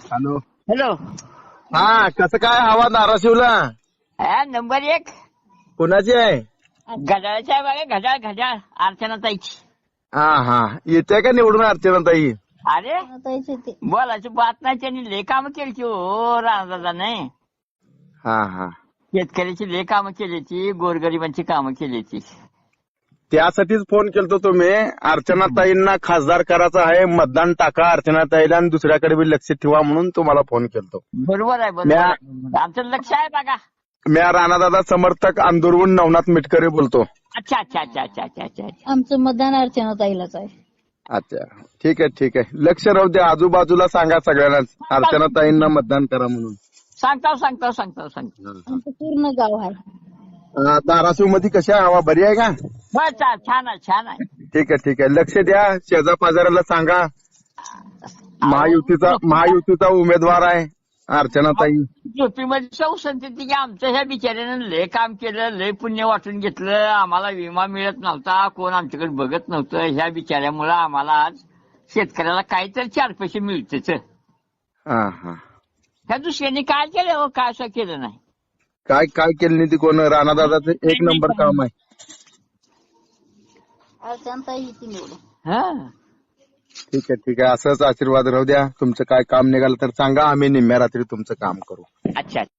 Hello. Hello. हा, कसं काय हवा धाराशिवला? हा, नंबर 1 कुणाची आहे? घड्याळाची आहे बघा. घड्याळ अर्चनाताईची. हा, येते का निवडून अर्चनाताई? अरे बोलायची बात नाही, त्यांनी लय कामं केली हो राणा नाही. हा. शेतकऱ्याची लय कामं केली, गोरगरिबांची कामं केली. त्यासाठीच फोन केलतो तुम्ही. अर्चनाताईंना खासदार करायचं आहे, मतदान टाका अर्चनाताईला आणि दुसऱ्याकडे बी लक्ष ठेवा म्हणून तुम्हाला फोन केलतो. बरोबर आहे. आमचं लक्ष आहे बघा. मी राणादादा समर्थक अंदुरहून नवनाथ मिटकरे बोलतो. अच्छा. आमचं मतदान अर्चनाताईलाच आहे. अच्छा, ठीक आहे. लक्ष राहू द्या, आजूबाजूला सांगा सगळ्यांना अर्चनाताईंना मतदान करा म्हणून. सांगतो. आमचं पूर्ण गाव आहे. धाराशिव मध्ये कशी आहे हवा? बरी आहे का? बस छान आहे. ठीक आहे. लक्ष द्या, शेजा पाजाराला सांगा. महायुतीचा उमेदवार आहे अर्चनाताई. झोपीमध्ये संसद की आमचं ह्या बिचाऱ्यानं लय काम केलं, लय पुण्य वाटून घेतलं. आम्हाला विमा मिळत नव्हता, कोण आमच्याकडे बघत नव्हतं. ह्या बिचाऱ्यामुळं आम्हाला आज शेतकऱ्याला काहीतरी 4 पैसे मिळतेच. हा. ह्या दुसऱ्यांनी काय केलं हो? काय असं केलं नाही. काय केलं नाही ती कोण? राणादादाचं 1 नंबर काम आहे. अर्चनाताई येते निवडून. हा, ठीक आहे. असंच आशीर्वाद राहू द्या. तुमचं काय काम निघालं तर सांगा, आम्ही निम्म्या रात्री तुमचं काम करू. अच्छा.